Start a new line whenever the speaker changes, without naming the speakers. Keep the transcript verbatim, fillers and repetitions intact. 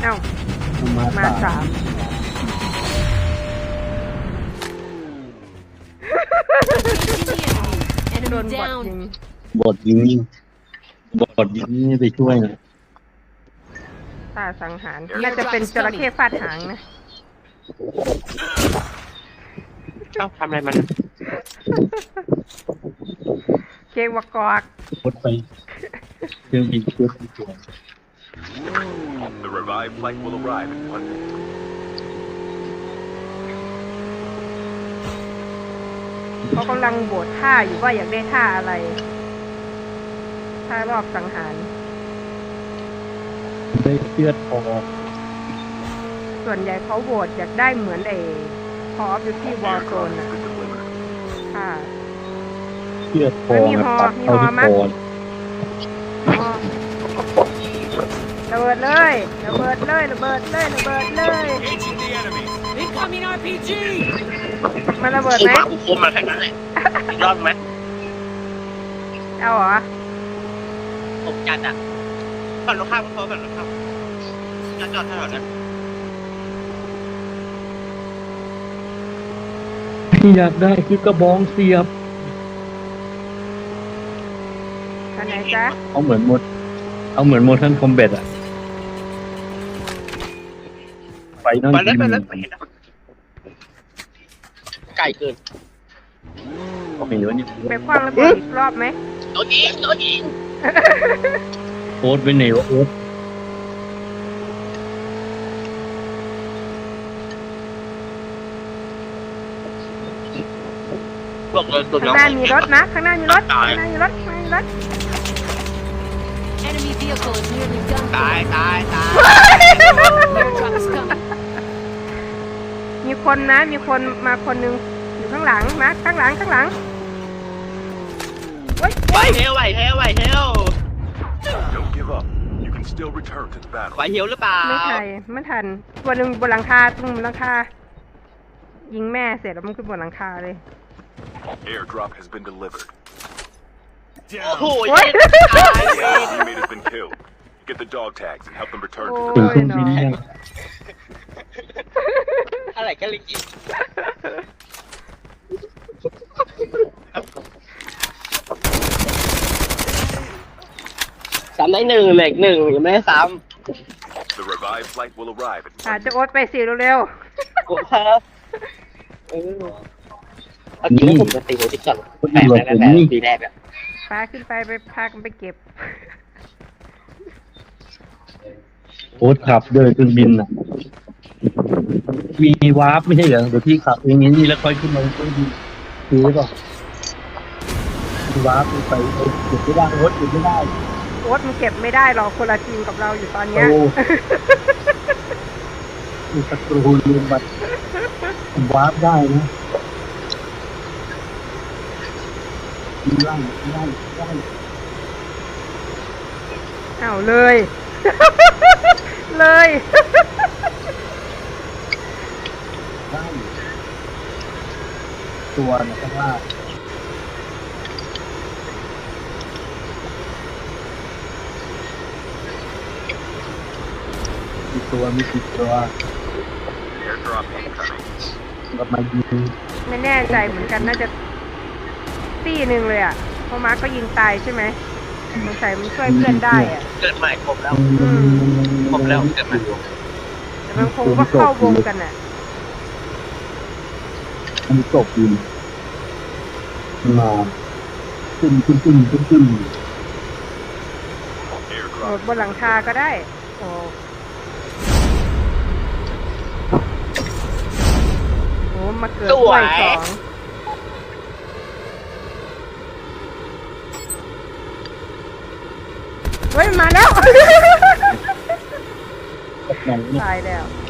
เอ้า
มา
มาสามโดนบอทยิง
บอดยิงบอดยิงนี่ไปช่วยนะ
ตาสังหารน่าจะเป็นจระเข้ฟาดหางนะ
ชอบทำอะไรมัน
เกวกอก
รถไฟเครื่องบินเครื่องบินตัว
The revived flight will arrive in one minute.
เขากำลังโบดท่าอยู่ว่าอยากได้ท่าอะไรท่ารอบสังหาร
ได้เชือดคอ
ส่วนใหญ่เขาโหวตอยากได้เหมือนไอ้คอฟอยู่ที่วอลโซน
Airdrop
อ่ะ
has been delivered.
ค่ะ
เชือดคอ
มีฮอ
ตัด
มี
เอา
ฮอ
ที่
มั้
ค
ย
อ
อ๋อระเบิดเลยระเบิดเลยระเบิดเลยระเบิดเลย
Engaging the enemy.
Incoming R P G!
มันระเบิด
คุ
ไหม
มมากูคุมมาแค่นั้นแหละอีกรอบไหม
เอาเหรอ
ผมจัดอ่ะฝั่งตรงข้ามก็พอฝั่งตรงข้ามจอดจอดถนนนั้น
ที่อยากได้คือกระบองเสียบ
อันไหนจ๊ะ
เอาเหมือนหมดเอาเหมือนโมชั่นคอมแบทอะไฟนั่น
ไปเลยไปเลยไปเห็นนะไก่เกิน
ก็ไม่รู้นี่
ไปคว้างระเบิดอีกรอบไหม
โดนยิงโดนยิง
โอ๊ตไปไหนวะโอ๊ต
บอกเลยตัว
ข้างหน้ามีรถนะข้างหน้ามีรถข้างหน้ามีรถข้างหน้ามีรถ
Enemy vehicle is nearly done.
ตายตายตาย
Airdrop is coming.
มีคนนะมีคนมาคนหนึงอยู่ข้างหลังมาข้างหลังข้างหลังเฮ้ย
ไหวเฮลไหวเฮลไหวเฮล
Don't give up. You can still return to the
ไหว
battle.
เฮลหรือเปล่า
ไม่ทันไม่ทันตัวหนึ่งบนหลังคาตรงบนหลังคายิงแม่เสร็จแล้วมันขึ้นบนหลังคาเลย
Airdrop has been delivered.
โอ้โห
โอ๊ย
ตาย
The enemy teammate has been killed. Get the dog tags and help them return to
โอ้
the
ถึง
ย
เครื่องบิน
เนาะ
ยัง
อะไรกันลิกิซ้ำได้หนึ่งเหล็กหนึ่งยังไม่ได้ซ้
The revived flight will arrive in
อา
one
จะ
minute.
โอ๊ตไปสิเร็ว
ำกูครับเออเอาจริงแล้วผมจะตีหัวที่ก่อนแปดแล้วแปดปีแรกอะ
ๆพาขึ้นไปไปพากันไปเก็บ
โอ๊ตขับเดินเครื่องบินอะมีวาร์ปไม่ใช่เหรอเดี๋ยวพี่ขับเองนี่แล้วค่อยขึ้นมาเครื่องบินคือหรือเปล่ามีวาร์ปไปไปเก็บไม่ได้โอ๊ตเก็บไม่ได้
โอ๊ตมันเก็บไม่ได้หรอกคนละทีมกับเราอยู่ตอนเนี้ย
โอ้ มีศัตรูลืมบัตรวาร์ปได้นะไล่ไล่ไล่
อ้าวเลย เลย
ไล่ตัวนะข้างล่างมีตัวมีสิบตัว
Airdrop incoming.
กับมายิง
ไม่แน่ใจเหมือนกันน่าจะตีหนึ่งเลยอ่ะเพราะมาร์คก็ยิงตายใช่ไหมสงสัยมันช่วยเพื่อนได้อ่ะ
เกิดใหม่ครบแล้ว
อืม
ครบแล้วเกิดใหม่
แต่มันคงว่าเข้าวงกันอ่ะ
อันนี้ตกยิงมาขึ้นขึ้นขึ้นขึ้นขึ้น
โหล
Airdrop
ดบนหลังคาก็ได้ โอ้โหมาเกิดด้วยสองเฮ้ย มาแล้ว
ตกหนังเนี่ย
ตายแล้ว